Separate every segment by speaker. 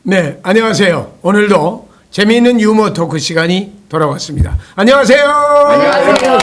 Speaker 1: 네, 안녕하세요. 오늘도 재미있는 유머 토크 시간이 돌아왔습니다. 안녕하세요. 안녕하세요.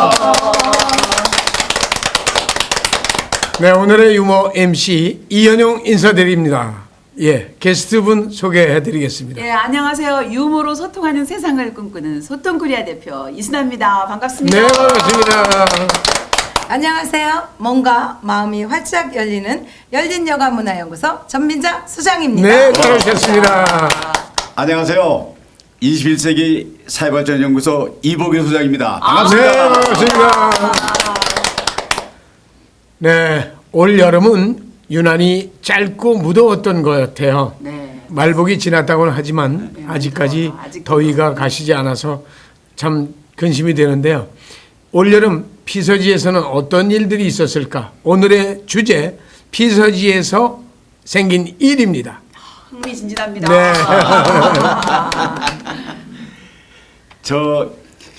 Speaker 1: 네, 오늘의 유머 MC 이현용 인사드립니다. 예, 게스트분 소개해드리겠습니다.
Speaker 2: 예, 안녕하세요. 유머로 소통하는 세상을 꿈꾸는 소통코리아 대표 이순아입니다. 반갑습니다.
Speaker 1: 네, 반갑습니다.
Speaker 3: 안녕하세요. 몸과 마음이 활짝 열리는 열린여가문화연구소 전민자 수장입니다.
Speaker 1: 네, 잘오셨습니다.
Speaker 4: 안녕하세요. 21세기 사회발전연구소 이복일 소장입니다. 반갑습니다.
Speaker 1: 네, 반갑습니다. 네, 올 여름은 유난히 짧고 무더웠던 것 같아요.
Speaker 2: 네.
Speaker 1: 말복이 지났다고는 하지만 아직까지 더위가 가시지 않아서 참 근심이 되는데요. 올여름 피서지에서는 어떤 일들이 있었을까? 오늘의 주제, 피서지에서 생긴 일입니다.
Speaker 2: 흥미진진합니다.
Speaker 1: 네.
Speaker 4: 저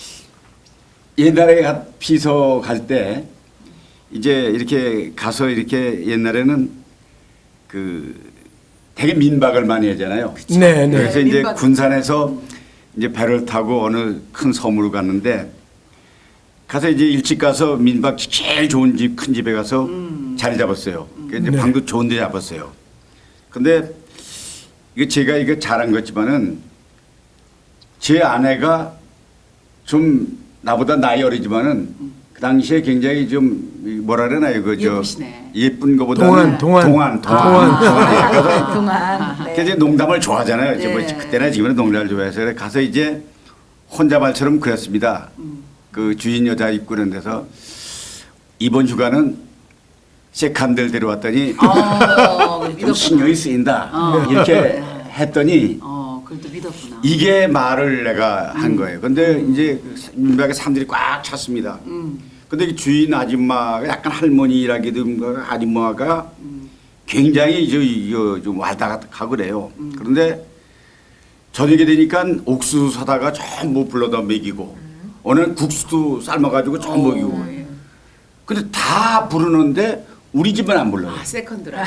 Speaker 4: 옛날에 피서 갈 때 이제 이렇게 가서 이렇게 옛날에는 그 되게 민박을 많이 하잖아요.
Speaker 1: 네, 네.
Speaker 4: 그래서 이제
Speaker 2: 민박.
Speaker 4: 군산에서 이제 배를 타고 어느 큰 섬으로 갔는데 가서 이제 일찍 가서 민박 제일 좋은 집, 큰 집에 가서 자리 잡았어요. 그러니까 이제
Speaker 1: 네.
Speaker 4: 방도 좋은 데 잡았어요. 근데 이거 제가 이거 잘한 거지만은 제 아내가 좀 나보다 나이 어리지만은 그 당시에 굉장히 좀 뭐라 그러나요? 그 저
Speaker 2: 예쁘시네.
Speaker 4: 예쁜 거보다
Speaker 1: 동안.
Speaker 4: 동안. 그래서
Speaker 3: 동안.
Speaker 4: 그래서 이제 농담을 좋아하잖아요. 이제 뭐
Speaker 2: 네.
Speaker 4: 그때나 지금은 농담을 좋아해서 그래 가서 이제 혼자 말처럼 그랬습니다. 그 주인 여자 입고 그런 데서 이번 휴가는 세컨들 데려왔더니 좀 신경이 쓰인다. 이렇게 했더니
Speaker 2: 그래도 믿었구나.
Speaker 4: 이게 말을 내가 한 거예요. 근데 이제 민박에 사람들이 꽉 찼습니다. 근데 이 주인 아줌마가 약간 할머니라기도 아줌마가 굉장히 좀 와다가고 그래요. 그런데 저녁에 되니까 옥수수 사다가 전부 불러다 먹이고 오늘 국수도 삶아가지고 전부 먹이고. 근데 다 부르는데 우리 집은 안 불러요.
Speaker 2: 세컨드라.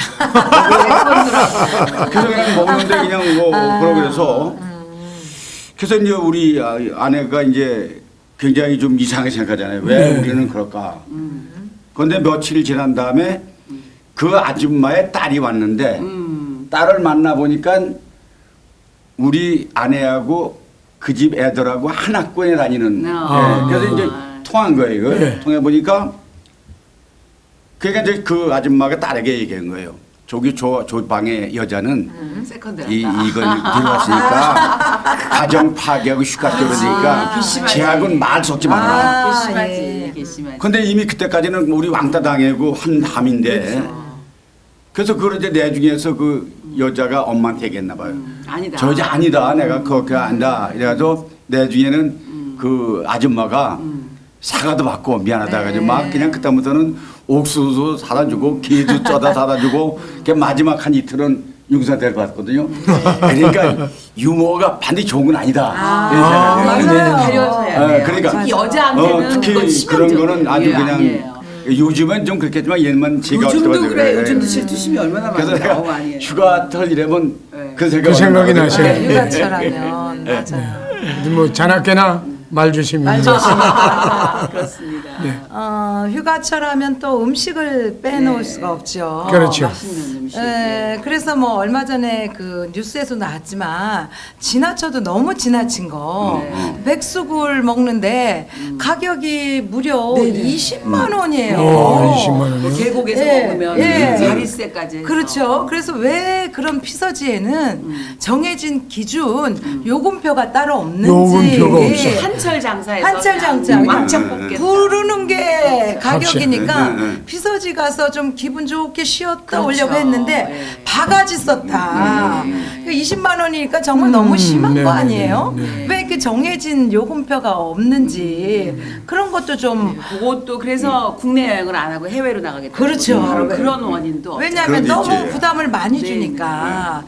Speaker 4: 그래서 그냥 먹는데 그냥 뭐 그러고 그래서 그래서 이제 우리 아내가 이제 굉장히 좀 이상하게 생각하잖아요. 왜 우리는 그럴까? 그런데 며칠 지난 다음에 그 아줌마의 딸이 왔는데 딸을 만나 보니까 우리 아내하고 그 집 애들하고 한 학교에 다니는. 그래서 이제 통한 거예요. 이걸. 통해 보니까 그러니까 이제 그 아줌마가 딸에게 얘기한 거예요. 저기 저 방의 여자는
Speaker 2: 세컨드라.
Speaker 4: 이걸 들어왔으니까 가정 파괴하고 휴가 때려니까
Speaker 2: 괘씸하지.
Speaker 4: 제하고는 말 섞지 말아라.
Speaker 2: 괘씸하지. 괘씸하지.
Speaker 4: 근데 이미 그때까지는 우리 왕따 당하고 한 함인데 그래서 그걸 이제 내중에서 그 여자가 엄마한테 얘기했나 봐요.
Speaker 2: 아니다.
Speaker 4: 저 여자 아니다. 내가 그렇게 안다. 이래가지고 내중에는 그 아줌마가 사과도 받고 미안하다 해가지고 막 그냥 그다음부터는 옥수수 사다 주고 게도 쪄다 사다 주고 그 마지막 한 이틀은 융사 데려갔거든요. 그러니까 유머가 반드시 좋은 건 아니다. 이런 생각이
Speaker 2: 맞아요. 가려서 해야 돼요.
Speaker 4: 그러니까
Speaker 2: 특히 여자한테는
Speaker 4: 특히
Speaker 2: 그건
Speaker 4: 그런 거는 아주
Speaker 2: 치명적이에요.
Speaker 4: 그냥
Speaker 2: 아니에요.
Speaker 4: 요즘은 좀 그렇겠지만 옛날은 제가
Speaker 2: 요즘도
Speaker 4: 어릴 때만
Speaker 2: 그래. 요즘도 질투심이 얼마나
Speaker 4: 그래서
Speaker 2: 많은데.
Speaker 4: 내가
Speaker 2: 아니에요.
Speaker 4: 휴가 털이라면
Speaker 2: 네.
Speaker 4: 그
Speaker 1: 그 생각이
Speaker 4: 나거든요.
Speaker 1: 나셔요.
Speaker 3: 네, 휴가철하면 맞아요.
Speaker 1: 뭐 자나깨나 말 조심입니다.
Speaker 2: 그렇습니다.
Speaker 3: 휴가철하면 또 음식을 빼놓을 수가 없죠.
Speaker 1: 그렇죠.
Speaker 2: 맛있는 음식.
Speaker 3: 그래서 뭐 얼마 전에 그 뉴스에서 나왔지만 지나쳐도 너무 지나친 거 백숙을 먹는데 가격이 무려 20만 원이에요.
Speaker 1: 20만 원이요?
Speaker 2: 뭐 계곡에서
Speaker 3: 예,
Speaker 2: 먹으면
Speaker 3: 예.
Speaker 2: 자릿세까지 해서.
Speaker 3: 그렇죠. 그래서 왜 그런 피서지에는 정해진 기준 요금표가 따로 없는지
Speaker 1: 요금표가 없어.
Speaker 2: 한철 장사에서
Speaker 3: 한철 장사
Speaker 2: 왕창 뽑겠다.
Speaker 3: 부르는 게 가격이니까
Speaker 4: 네.
Speaker 3: 피서지 가서 좀 기분 좋게 쉬었다
Speaker 2: 그렇죠.
Speaker 3: 오려고 했는데
Speaker 2: 네.
Speaker 3: 바가지 썼다. 20만 원이니까 정말 너무 심한
Speaker 1: 네,
Speaker 3: 거
Speaker 1: 네,
Speaker 3: 아니에요?
Speaker 1: 네.
Speaker 3: 왜 이렇게 정해진 요금표가 없는지 그런 것도 좀
Speaker 2: 그것도 그래서 국내 여행을 안 하고 해외로 나가게 되는
Speaker 3: 그렇죠.
Speaker 2: 거죠. 바로
Speaker 3: 네.
Speaker 2: 그런 원인도
Speaker 3: 왜냐하면
Speaker 4: 그런 게
Speaker 3: 너무
Speaker 4: 있지.
Speaker 3: 부담을 많이
Speaker 2: 네.
Speaker 3: 주니까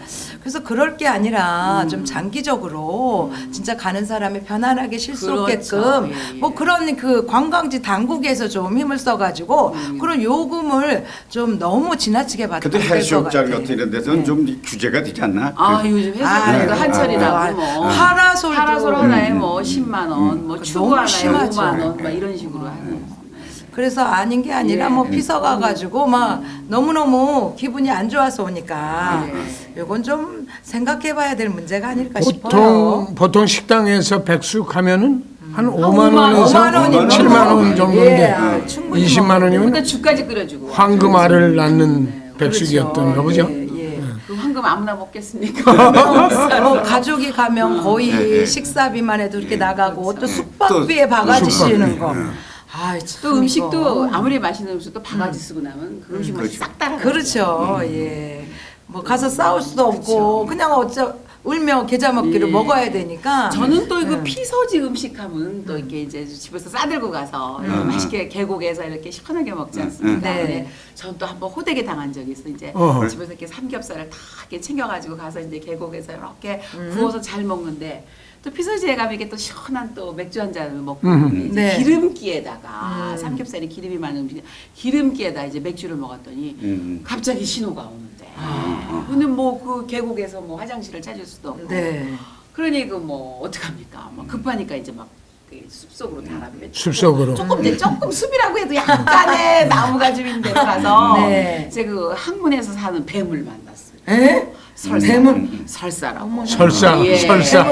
Speaker 3: 그래서 그럴 게 아니라 좀 장기적으로 진짜 가는 사람이 편안하게 쉴 수
Speaker 2: 그렇죠.
Speaker 3: 없게끔
Speaker 2: 예, 예.
Speaker 3: 뭐 그런 그 관광지 당국에서 좀 힘을 써가지고 그런 요금을 좀 너무 지나치게 받는
Speaker 4: 근데 해수욕장 같은 이런 데서는 좀 규제가 되지 않나?
Speaker 2: 아 요즘
Speaker 3: 아,
Speaker 2: 해수욕장도
Speaker 3: 네.
Speaker 2: 한철이라고 뭐
Speaker 3: 파라솔도
Speaker 2: 파라솔 하나에 뭐 10만 원, 뭐
Speaker 3: 그
Speaker 2: 추구
Speaker 3: 너무
Speaker 2: 하나에
Speaker 3: 심하죠.
Speaker 2: 5만 원, 막 이런 식으로 하는.
Speaker 3: 그래서 아닌 게 아니라
Speaker 2: 예.
Speaker 3: 뭐 피서 가가지고 막 너무너무 기분이 안 좋아서 오니까 이건 좀 생각해봐야 될 문제가 아닐까 싶어요.
Speaker 1: 보통 식당에서 백숙 가면은 한 5만
Speaker 2: 5만
Speaker 1: 원에서
Speaker 3: 5만 원이면
Speaker 1: 7만 원 정도인데
Speaker 3: 예, 아, 충분히
Speaker 1: 20만 원이면
Speaker 2: 그러니까 죽까지 끓여주고.
Speaker 1: 황금알을 낳는 백숙이었던가 보죠.
Speaker 3: 예, 예.
Speaker 2: 그 황금 아무나 먹겠습니까?
Speaker 3: 뭐 가족이 가면 거의
Speaker 4: 예, 예.
Speaker 3: 식사비만 해도 이렇게 나가고 또
Speaker 4: 또
Speaker 3: 숙박비에 바가지
Speaker 1: 숙박비.
Speaker 3: 씌우는 거. 아, 참
Speaker 2: 또 음식도
Speaker 3: 이거.
Speaker 2: 아무리 맛있는 음식도 바가지 쓰고 나면 그 음식 맛이 싹 따라.
Speaker 3: 그렇죠. 예. 뭐 가서 싸울 수도 없고 그냥 울며 계자 먹기로
Speaker 2: 예.
Speaker 3: 먹어야 되니까.
Speaker 2: 저는 또 이거 피서지 음식하면 또 이렇게 이제 집에서 싸들고 가서 이렇게 맛있게 계곡에서 이렇게 시원하게 먹지 않습니까?
Speaker 3: 네.
Speaker 2: 근데 저는 또 한번 호되게 당한 적이 있어. 이제
Speaker 1: 어.
Speaker 2: 집에서 이렇게 삼겹살을 다 이렇게 챙겨가지고 가서 이제 계곡에서 이렇게 구워서 잘 먹는데 또 피서지에 가면 이게 또 시원한 또 맥주 한 잔을 먹고 이제
Speaker 3: 네.
Speaker 2: 기름기에다가 삼겹살이 기름이 많은 음식 기름기에다 이제 맥주를 먹었더니 갑자기 신호가 오는데. 근데 뭐 그 계곡에서 뭐 화장실을 찾을 수도 없고.
Speaker 3: 네.
Speaker 2: 그러니 그 뭐 어떡합니까? 막 급하니까 이제 막 숲속으로 달아배.
Speaker 1: 숲속으로.
Speaker 2: 조금 숲이라고 해도 약간의 나무가 좀 있는 데로 가서
Speaker 3: 네.
Speaker 2: 이제 그 항문에서 사는 뱀을 만났습니다.
Speaker 3: 에?
Speaker 2: 설사.
Speaker 3: 뱀을?
Speaker 2: 설사라고.
Speaker 1: 설사,
Speaker 2: 예.
Speaker 1: 설사.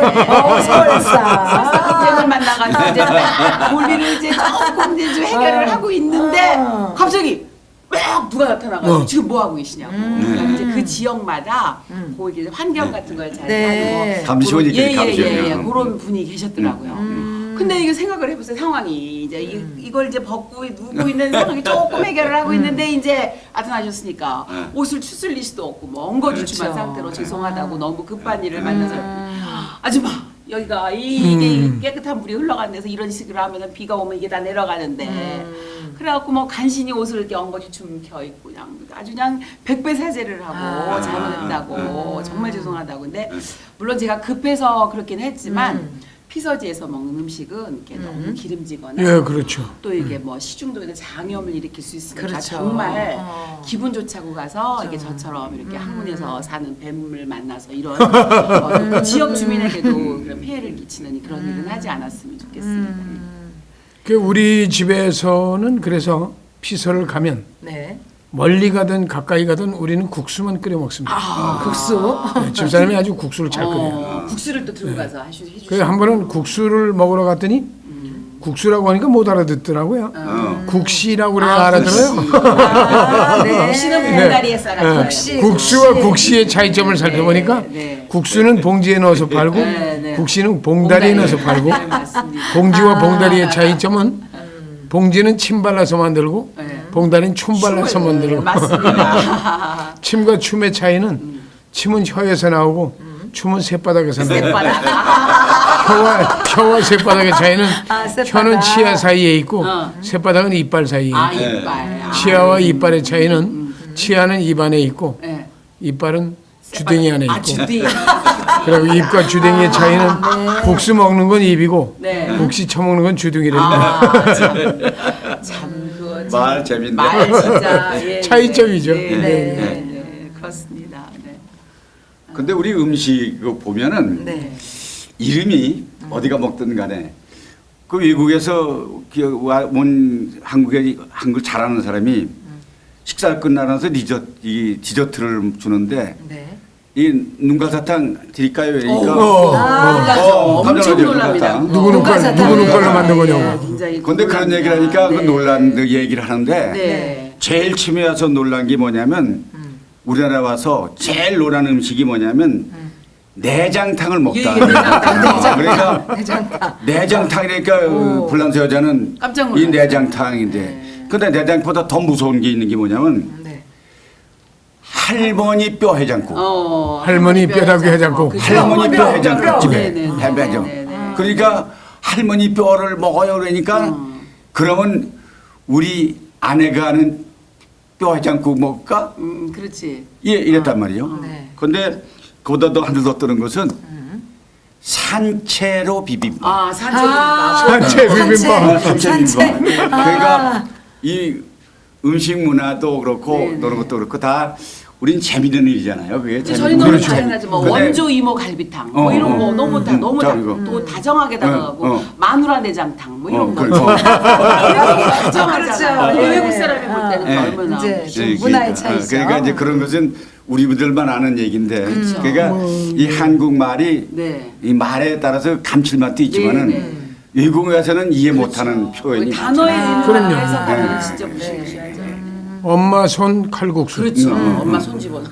Speaker 3: 설사.
Speaker 2: 뱀을 만나가지고 이제 볼일을 이제 조금 이제 좀 해결을 하고 있는데 갑자기 막 누가 나타나가지고 지금 뭐 하고 계시냐고. 그러니까 이제 그 지역마다 그 이제 환경 같은 걸 잘
Speaker 3: 네.
Speaker 2: 하고
Speaker 4: 감시원이 있겠네,
Speaker 2: 예예예
Speaker 4: 감시원이.
Speaker 2: 그런 분이 계셨더라고요. 근데 이게 생각을 해보세요. 상황이 이제 이걸 이제 벗고 누고 있는 상황이 조금 해결을 하고 있는데 이제 나타나셨으니까 옷을 추슬릴 수도 없고 뭐 엉거주춤한
Speaker 3: 그렇죠.
Speaker 2: 상태로 죄송하다고 너무 급한 일을 만나서 아줌마 여기가 이게 깨끗한 물이 흘러가는 데서 이런 식으로 하면은 비가 오면 이게 다 내려가는데 그래갖고 뭐 간신히 옷을 이렇게 엉거주춤 켜 입고 그냥 아주 그냥 백배 사죄를 하고 잘못했다고 정말 죄송하다고 근데 물론 제가 급해서 그렇긴 했지만 피서지에서 먹는 음식은 이렇게 너무 기름지거나
Speaker 1: 예, 그렇죠.
Speaker 2: 또 이게 뭐 시중독이나 장염을 일으킬 수 있으니까
Speaker 3: 그렇죠.
Speaker 2: 정말 기분 좋지 않고 가서 이렇게 저처럼 이렇게 항문에서 사는 뱀을 만나서 이런 그 지역 주민에게도 그런 피해를 끼치는 그런 일은 하지 않았으면 좋겠습니다.
Speaker 1: 그 우리 집에서는 그래서 피서를 가면
Speaker 3: 네.
Speaker 1: 멀리 가든 가까이 가든 우리는 국수만 끓여 먹습니다.
Speaker 3: 국수.
Speaker 1: 네, 집사람이 아주 국수를 잘 끓여요.
Speaker 2: 국수를 또 들고 가서 해주시고
Speaker 1: 그래서 한 번은 국수를 먹으러 갔더니 국수라고 하니까 못 알아듣더라고요. 국시라고 그래야 알아들어요.
Speaker 3: 네.
Speaker 2: 국시는 봉다리에 썰어요.
Speaker 1: 국수와 국시의 차이점을 살펴보니까
Speaker 2: 네.
Speaker 1: 국수는 봉지에 넣어서 팔고
Speaker 2: 네.
Speaker 1: 국시는 봉다리에 넣어서 팔고
Speaker 2: 네, 맞습니다.
Speaker 1: 봉지와 봉다리의 차이점은 봉지는 침 발라서 만들고
Speaker 2: 네.
Speaker 1: 봉다리는 춤 발라서 만들고
Speaker 2: 맞습니다.
Speaker 1: 침과 춤의 차이는 침은 혀에서 나오고 춤은 쇳바닥에서 나오고 혀와 쇳바닥의 차이는
Speaker 3: 쇳바닥.
Speaker 1: 혀는 치아 사이에 있고 쇳바닥은 이빨 사이에 있고
Speaker 2: 아 이빨.
Speaker 1: 치아와 이빨의 차이는 치아는 입 안에 있고
Speaker 2: 네.
Speaker 1: 이빨은 주댕이 안에
Speaker 2: 아
Speaker 1: 있고
Speaker 2: 주댕이.
Speaker 1: 그리고 입과 주댕이의 차이는 국수 먹는 건 입이고
Speaker 2: 네.
Speaker 1: 국시 처먹는 건 주둥이랍니다.
Speaker 2: 참 그거
Speaker 4: 말 재밌네.
Speaker 2: 말 진짜 예,
Speaker 1: 차이점이죠.
Speaker 2: 네, 네,
Speaker 1: 네.
Speaker 2: 네, 네, 그렇습니다. 네.
Speaker 4: 근데 우리 음식 보면은
Speaker 3: 네.
Speaker 4: 이름이 어디가 먹든 간에 그 외국에서 온 한국에 한글 잘하는 사람이 식사 끝나면서 디저트를 주는데
Speaker 3: 네.
Speaker 4: 이 눈가사탕 드릴까요? 그러니까
Speaker 2: 놀라죠.
Speaker 4: 깜짝
Speaker 2: 엄청
Speaker 4: 놀라요,
Speaker 2: 놀랍니다.
Speaker 4: 눈가사탕.
Speaker 1: 누구는 걸로 만든 거냐고.
Speaker 2: 굉장히
Speaker 4: 근데 그런
Speaker 2: 놀랍니다.
Speaker 4: 얘기를 하니까 그
Speaker 2: 네.
Speaker 4: 놀란 얘기를 하는데
Speaker 2: 네.
Speaker 4: 제일 처음에 와서 놀란 게 뭐냐면 우리나라 와서 제일 놀란 음식이 뭐냐면 내장탕을 먹다.
Speaker 2: 예, 내장탕.
Speaker 4: 그러니까
Speaker 3: 내장탕.
Speaker 4: 내장탕이니까 불란서 여자는
Speaker 2: 깜짝
Speaker 4: 이
Speaker 2: 놀랐어요.
Speaker 4: 내장탕인데 근데 내장보다 더 무서운 게 있는 게 뭐냐면
Speaker 3: 네.
Speaker 4: 할머니 뼈 해장국.
Speaker 1: 할머니 뼈다귀 해장국.
Speaker 4: 할머니 뼈 해장국집에
Speaker 2: 네, 네, 네.
Speaker 4: 해장국.
Speaker 2: 네, 네.
Speaker 4: 그러니까 할머니 뼈를 먹어요 그러니까 그러면 우리 아내가 하는 뼈 해장국 먹을까?
Speaker 2: 그렇지.
Speaker 4: 예, 이랬단 말이에요.
Speaker 3: 네.
Speaker 4: 근데 그보다 더 하나 더 뜨는 것은 산채로 비빔밥.
Speaker 2: 아, 산채비빔밥.
Speaker 1: 산채 비빔밥.
Speaker 4: 산채
Speaker 3: 산채.
Speaker 4: 비빔밥. 그러니까 이 음식 문화도 그렇고
Speaker 2: 네,
Speaker 4: 그런 것도 그렇고 다 우린 재밌는 일이잖아요. 그게
Speaker 2: 근데
Speaker 4: 재밌는
Speaker 2: 저희는
Speaker 4: 일이죠.
Speaker 2: 당연하지 뭐
Speaker 4: 근데
Speaker 2: 원조 이모 갈비탕 뭐 이런 거 너무 다 너무
Speaker 4: 자, 이거.
Speaker 2: 또 다정하게 다가가고 마누라 내장탕 뭐 이런 거
Speaker 4: 그렇죠.
Speaker 2: 다정하잖아요.
Speaker 3: 그렇죠.
Speaker 2: 외국 사람이 볼 때는
Speaker 4: 네.
Speaker 2: 얼마나
Speaker 3: 이제
Speaker 4: 이제
Speaker 3: 문화의 차이죠.
Speaker 4: 그러니까 이제 그런 것은 우리들만 아는 얘기인데,
Speaker 2: 그렇죠.
Speaker 4: 그러니까 이 한국 말이
Speaker 2: 네.
Speaker 4: 이 말에 따라서 감칠맛도 있지만은
Speaker 2: 네, 네.
Speaker 4: 외국에 가서는 이해 못하는 표현이
Speaker 2: 단어의
Speaker 4: 많잖아요.
Speaker 1: 그럼요.
Speaker 2: 의미를 해석하면
Speaker 4: 네.
Speaker 2: 진짜 무시무시하죠.
Speaker 1: 엄마 손 칼국수.
Speaker 2: 그렇죠. 엄마 손 집어넣어.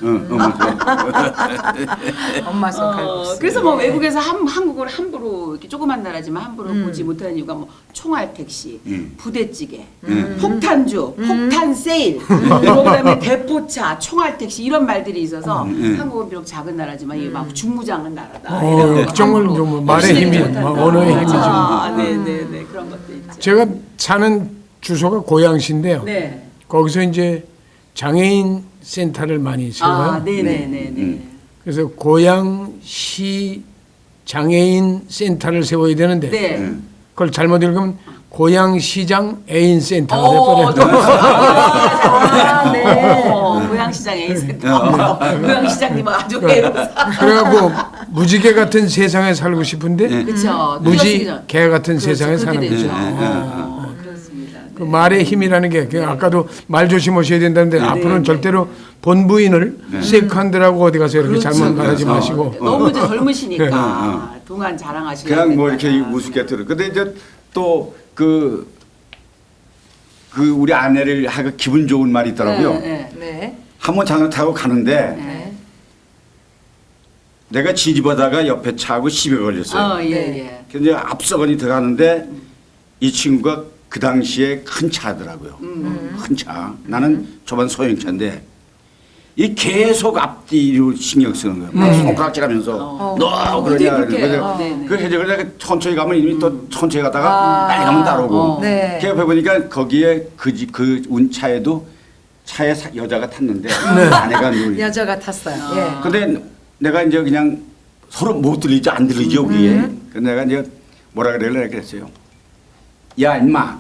Speaker 3: 엄마 손 칼국수.
Speaker 2: 그래서 뭐 외국에서 한국을 함부로 이렇게 조그만 나라지만 함부로 보지 못하는 이유가 뭐 총알 택시, 부대찌개, 폭탄주, 폭탄 세일, 그리고 그다음에 대포차, 총알 택시 이런 말들이 있어서 한국은 비록 작은 나라지만 이게 막 중무장한 나라다.
Speaker 1: 정말 좀 말의 힘이, 언어의 힘이죠.
Speaker 2: 네네네 그런 것도 있죠.
Speaker 1: 제가 사는 주소가 고양시인데요.
Speaker 2: 네.
Speaker 1: 거기서 이제 장애인 센터를 많이 세워요.
Speaker 2: 아 네네네네.
Speaker 1: 그래서 고양시 장애인 센터를 세워야 되는데
Speaker 2: 네.
Speaker 1: 그걸 잘못 읽으면 고양시장 애인 센터가
Speaker 2: 오,
Speaker 1: 돼버려요.
Speaker 2: 아, 네. 고양시장 A센터. 고양시장님은 아주 배우사.
Speaker 1: 그래갖고 무지개 같은 세상에 살고 싶은데
Speaker 2: 그렇죠.
Speaker 1: 무지개 같은 세상에 사는
Speaker 2: 그렇죠.
Speaker 1: 거죠.
Speaker 2: 그렇습니다.
Speaker 1: 그 말의 힘이라는 게 그냥 아까도 말 조심하셔야 된다는데 앞으로는 절대로 본부인을 세컨드라고 어디 가서 이렇게 잘못 말하지 마시고
Speaker 2: 너무 이제 젊으시니까 동안 자랑하시려고
Speaker 4: 그냥 뭐
Speaker 2: 했다가.
Speaker 4: 이렇게 우습게 들어. 근데 이제 또 그 우리 아내를 하고 기분 좋은 말이 있더라고요.
Speaker 2: 네, 네.
Speaker 3: 네.
Speaker 4: 한번 장을 타고 가는데
Speaker 3: 네.
Speaker 4: 내가 지지보다가 옆에 차하고 시비 걸렸어요.
Speaker 2: 예,
Speaker 3: 네.
Speaker 2: 예.
Speaker 4: 근데 앞서건이 들어가는데 이 친구가 그 당시에 큰 차더라고요. 큰 차. 나는 저번 소형차인데 이 계속 앞뒤로 신경 쓰는 거예요. 막 손가락질하면서 너 그러냐.
Speaker 2: 그렇게 해요.
Speaker 4: 그래서
Speaker 2: 네네.
Speaker 4: 그 해적을 내가 천천히 가면 이미 또 천천히 가다가 빨리 가면 따르고.
Speaker 3: 네.
Speaker 4: 그 옆에 보니까 거기에 그 운차에도 차에 여자가 탔는데 아내가 누리.
Speaker 3: 여자가 탔어요. 예.
Speaker 4: 근데 내가 이제 그냥 서로 못 들리지 안 들리지 여기에. 그래서 내가 이제 뭐라 그랬어요. 야 임마,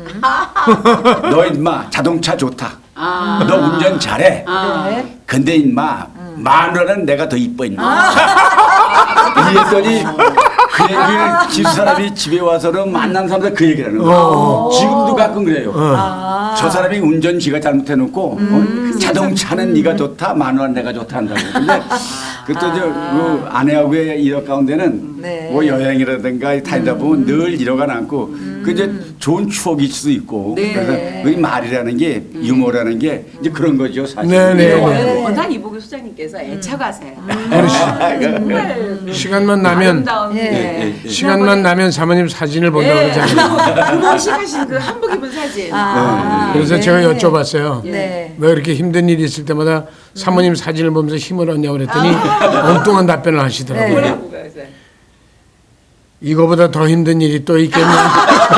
Speaker 4: 너 임마 자동차 좋다. 너 운전 잘해.
Speaker 3: 네.
Speaker 4: 근데 임마 마누라는 내가 더 이뻐 임마. 이랬더니 그 얘기를 집사람이 집에 와서는 만난 사람들 그 얘기를 하는 거예요. 지금도 가끔 그래요. 저 사람이 운전 지가 잘못해놓고 자동차는 네가 좋다, 마누라는 내가 좋다 한다고. 근데 그또 그 아내하고의 일화 가운데는
Speaker 3: 네.
Speaker 4: 뭐 여행이라든가 다니다 보면 늘 이러가 않고 그 이제 좋은 추억일 수도 있고
Speaker 2: 네.
Speaker 4: 그래서 이 말이라는 게 유머라는 게 이제 그런 거죠 사실.
Speaker 1: 네, 네.
Speaker 2: 워낙 이보규 소장님께서 애착하세요. 정말
Speaker 1: 시간만 나면
Speaker 2: 아름다운
Speaker 3: 예.
Speaker 1: 시간만 나면 사모님 사진을 본다고 그러잖아요.
Speaker 2: 그모식 하신 그 한복 입은 사진.
Speaker 1: 그래서
Speaker 3: 네.
Speaker 1: 제가 여쭤봤어요.
Speaker 3: 네.
Speaker 1: 왜 이렇게 힘든 일이 있을 때마다 사모님 사진을 보면서 힘을 얻냐고 그랬더니 엉뚱한 답변을 하시더라고요.
Speaker 2: 뭐라고 그래서.
Speaker 1: 이거보다 더 힘든 일이 또 있겠냐.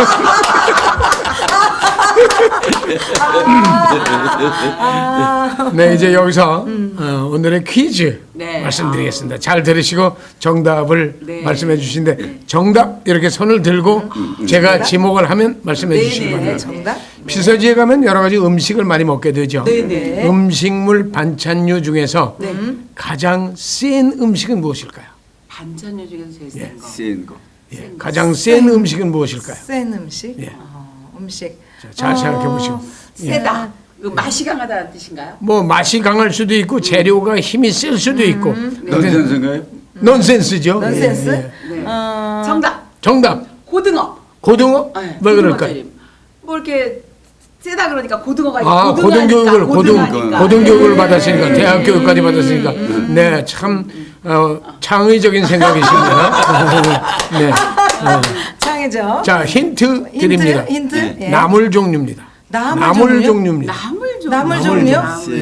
Speaker 1: 네, 이제 여기서 오늘의 퀴즈
Speaker 2: 네.
Speaker 1: 말씀드리겠습니다. 잘 들으시고 정답을
Speaker 2: 네.
Speaker 1: 말씀해 주시는데 정답 이렇게 손을 들고 제가 지목을 하면 말씀해 주시기 바랍니다.
Speaker 3: 정답?
Speaker 1: 피서지에 가면 여러 가지 음식을 많이 먹게 되죠.
Speaker 2: 네네.
Speaker 1: 음식물 반찬류 중에서 가장 센 음식은 무엇일까요?
Speaker 2: 반찬류 중에서 제일 센 거.
Speaker 4: 쓰인 거.
Speaker 1: 예, 가장 센 음식은 무엇일까요?
Speaker 3: 센 음식?
Speaker 1: 예.
Speaker 3: 음식.
Speaker 1: 자, 잘 생각해 보시고.
Speaker 2: 세다. 그 맛이 강하다는 뜻인가요?
Speaker 1: 뭐 맛이 강할 수도 있고 재료가 힘이 셀 수도 있고.
Speaker 4: 넌센스인가요?
Speaker 1: 넌센스죠.
Speaker 3: 넌센스?
Speaker 1: 예, 예.
Speaker 2: 정답.
Speaker 1: 정답.
Speaker 2: 고등어.
Speaker 1: 고등어?
Speaker 2: 네,
Speaker 1: 왜
Speaker 2: 고등어
Speaker 1: 그럴까요?
Speaker 2: 조림. 뭐 이렇게 세다 그러니까 고등어가
Speaker 1: 아,
Speaker 2: 고등어니까,
Speaker 1: 고등교육을
Speaker 2: 고등어니까.
Speaker 1: 받았으니까
Speaker 2: 네.
Speaker 1: 대학 교육까지 받았으니까 네, 참 창의적인 생각이십니다. 네.
Speaker 3: 창이죠.
Speaker 1: 자, 힌트 드립니다.
Speaker 3: 힌트? 예.
Speaker 1: 나물 종류입니다.
Speaker 3: 나물
Speaker 1: 종류입니다.
Speaker 2: 나물
Speaker 3: 종류?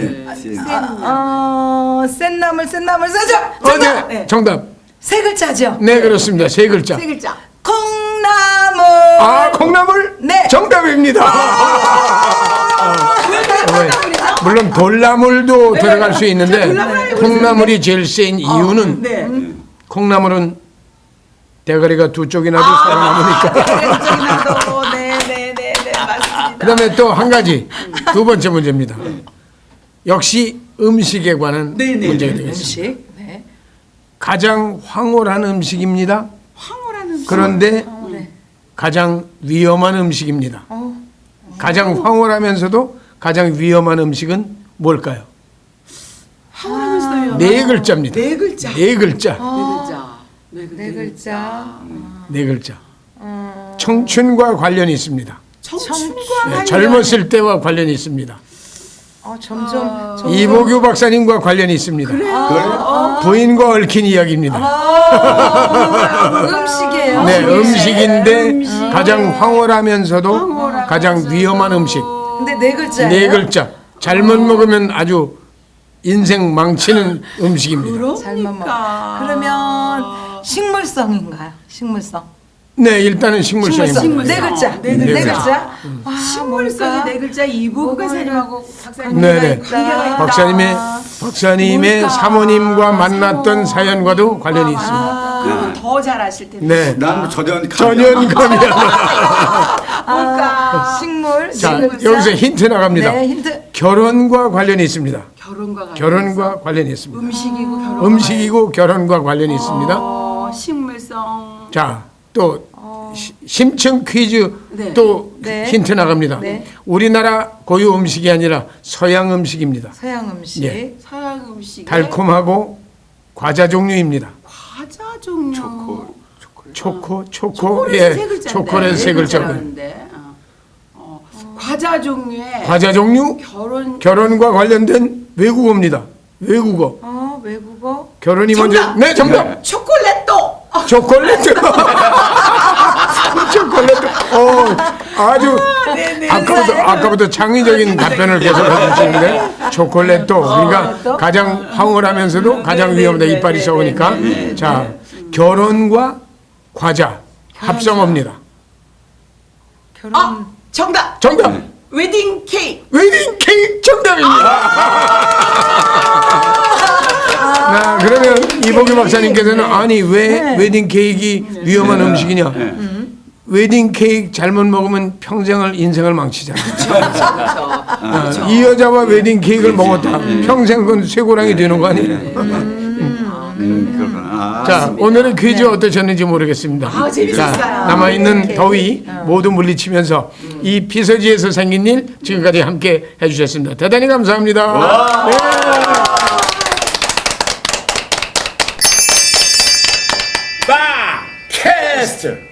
Speaker 2: 나물.
Speaker 3: 센 나물, 세죠?
Speaker 1: 정답. 네. 정답.
Speaker 3: 세 글자죠?
Speaker 1: 네, 그렇습니다. 세 글자.
Speaker 2: 세 글자.
Speaker 3: 콩나물.
Speaker 1: 아, 콩나물?
Speaker 3: 네.
Speaker 1: 정답입니다.
Speaker 2: 왜 콩나물이죠?
Speaker 1: 물론 돌나물도 들어갈 수 있는데
Speaker 2: 돌나물 알고
Speaker 1: 콩나물이 제일 센 이유는
Speaker 2: 네.
Speaker 1: 콩나물은 대가리가 두 쪽이나도 살아남으니까.
Speaker 2: 네네네네 맞습니다.
Speaker 1: 그다음에 또 한 가지 두 번째 문제입니다. 역시 음식에 관한
Speaker 2: 네네.
Speaker 1: 문제가 되겠습니다.
Speaker 3: 음식. 네.
Speaker 1: 가장 황홀한 음식입니다.
Speaker 2: 황홀하는
Speaker 1: 그런데
Speaker 3: 네.
Speaker 1: 가장 위험한 음식입니다. 가장 황홀하면서도 가장 위험한 음식은 뭘까요?
Speaker 2: 황홀하면서요.
Speaker 1: 네 글자입니다.
Speaker 2: 네 글자.
Speaker 1: 네 글자.
Speaker 3: 네 글자.
Speaker 1: 네 글자. 청춘과 관련이 있습니다.
Speaker 2: 청춘과
Speaker 1: 네, 젊었을 때와 관련이 있습니다.
Speaker 3: 점점
Speaker 1: 이보규 박사님과 관련이 있습니다. 부인과 얽힌 이야기입니다.
Speaker 3: 음식이에요.
Speaker 1: 네, 음식인데 가장 황홀하면서도 가장 위험한 음식.
Speaker 3: 근데 네 글자예요.
Speaker 1: 네 글자. 잘못 먹으면 아주 인생 망치는 음식입니다.
Speaker 3: 잘못 먹. 그러면 식물성인가요? 식물성.
Speaker 1: 네, 일단은 식물성입니다.
Speaker 3: 네 글자.
Speaker 2: 네
Speaker 3: 네
Speaker 1: 글자.
Speaker 3: 글자. 와,
Speaker 2: 식물성이
Speaker 3: 뭘까?
Speaker 2: 네 글자 이보규 박사님하고 박사님
Speaker 1: 네네.
Speaker 2: 관계가 있다.
Speaker 1: 박사님의
Speaker 2: 뭘까?
Speaker 1: 사모님과 만났던 사연과도 관련이 있습니다.
Speaker 2: 그러면 더 잘 아실 텐데.
Speaker 1: 네.
Speaker 4: 난 전혀
Speaker 1: 전연감이야.
Speaker 2: 뭘까?
Speaker 3: 식물.
Speaker 1: 자,
Speaker 3: 네 글자.
Speaker 1: 여기서 힌트 나갑니다.
Speaker 3: 네, 힌트.
Speaker 1: 결혼과 관련이 있습니다.
Speaker 2: 결혼과
Speaker 1: 관련이 있습니다.
Speaker 2: 음식이고 결혼.
Speaker 1: 음식이고 결혼과 관련이 있습니다.
Speaker 2: 식물성.
Speaker 1: 자, 또 심층 퀴즈
Speaker 2: 네.
Speaker 1: 또
Speaker 3: 네.
Speaker 1: 힌트 나갑니다.
Speaker 3: 네.
Speaker 1: 우리나라 고유 음식이 아니라 서양 음식입니다.
Speaker 3: 서양 음식.
Speaker 1: 예.
Speaker 2: 서양 음식.
Speaker 1: 달콤하고 과자 종류입니다.
Speaker 2: 과자 종류.
Speaker 1: 초코,
Speaker 2: 초콜릿
Speaker 1: 예,
Speaker 2: 세 글자인데.
Speaker 1: 초콜릿 세 글자고.
Speaker 2: 글자라는데. 과자 종류에
Speaker 1: 과자 종류 결혼과 관련된 외국어입니다. 외국어.
Speaker 3: 외국어.
Speaker 1: 결혼이
Speaker 2: 정답!
Speaker 1: 먼저. 네, 정답.
Speaker 2: 초콜릿도.
Speaker 1: 초콜릿. 초콜릿. 아주 아까부터 창의적인 답변을 계속 해주시는데 초콜릿도 그러니까 가장 황홀하면서도 가장 위험하다 이빨이 썩으니까 자 결혼과 과자 합성어입니다.
Speaker 3: 결혼.
Speaker 2: 정답.
Speaker 1: 정답.
Speaker 2: 웨딩 케이크.
Speaker 1: 웨딩 케이크 정답입니다. 자, 그러면 이보규 박사님께서는 아니 왜 웨딩 케이크가 위험한 음식이냐? 웨딩 케이크 잘못 먹으면 평생을 인생을 망치잖아.
Speaker 2: 그렇죠.
Speaker 1: 이 여자와 웨딩 케이크를 먹었다. 평생 그건 쇠고랑이 되는 거 아니에요?
Speaker 4: 그렇구나.
Speaker 1: 자, 오늘의 퀴즈 어떠셨는지 모르겠습니다.
Speaker 2: 재밌었어요.
Speaker 1: 자, 남아있는 더위 모두 물리치면서 이 피서지에서 생긴 일 지금까지 함께 해주셨습니다. 대단히 감사합니다. 네.
Speaker 5: 바 캐스트